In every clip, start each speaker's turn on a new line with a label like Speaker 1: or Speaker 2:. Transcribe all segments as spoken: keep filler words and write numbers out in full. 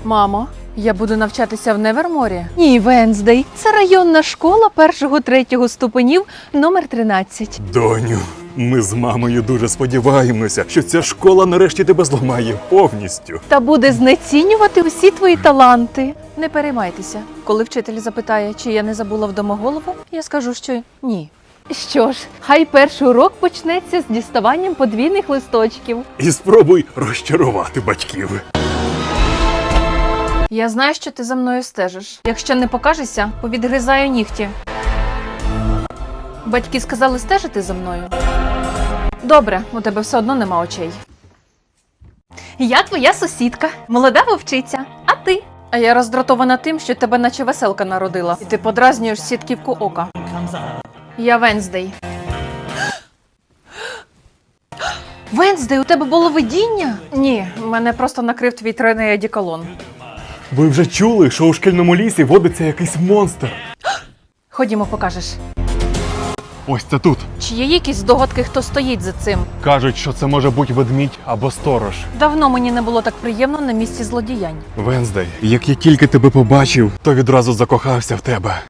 Speaker 1: Мамо, я буду навчатися в Неверморі? Ні, Венздей. Це районна школа першого-третього ступенів номер тринадцять.
Speaker 2: Доню, ми з мамою дуже сподіваємося, що ця школа нарешті тебе зламає повністю.
Speaker 1: Та буде знецінювати усі твої таланти. Не переймайтеся. Коли вчитель запитає, чи я не забула вдома голову, я скажу, що ні. Що ж, хай перший урок почнеться з діставанням подвійних листочків.
Speaker 2: І спробуй розчарувати батьків.
Speaker 1: Я знаю, що ти за мною стежиш. Якщо не покажешся, повідгризаю нігті. Батьки сказали стежити за мною. Добре, у тебе все одно нема очей. Я твоя сусідка, молода вовчиця, а ти? А я роздратована тим, що тебе наче веселка народила. І ти подразнюєш сітківку ока. Я Венздей. Венздей, у тебе було видіння? Ні, мене просто накрив твій тройний одеколон.
Speaker 2: Ви вже чули, що у шкільному лісі водиться якийсь монстр?
Speaker 1: Ходімо, покажеш.
Speaker 2: Ось це тут.
Speaker 1: Чи є якісь здогадки, хто стоїть за цим?
Speaker 2: Кажуть, що це може бути ведмідь або сторож.
Speaker 1: Давно мені не було так приємно на місці злодіянь.
Speaker 2: Венздей, як я тільки тебе побачив, то відразу закохався в тебе.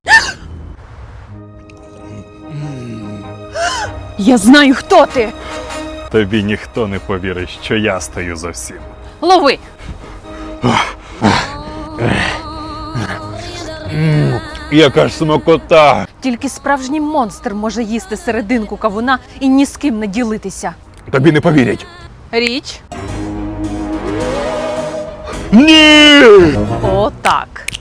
Speaker 1: Я знаю, хто ти!
Speaker 2: Тобі ніхто не повірить, що я стою за всім.
Speaker 1: Лови!
Speaker 2: Яка ж смакота!
Speaker 1: Тільки справжній монстр може їсти серединку кавуна і ні з ким не ділитися.
Speaker 2: Тобі не повірять.
Speaker 1: Річ?
Speaker 2: Ні!
Speaker 1: О, так.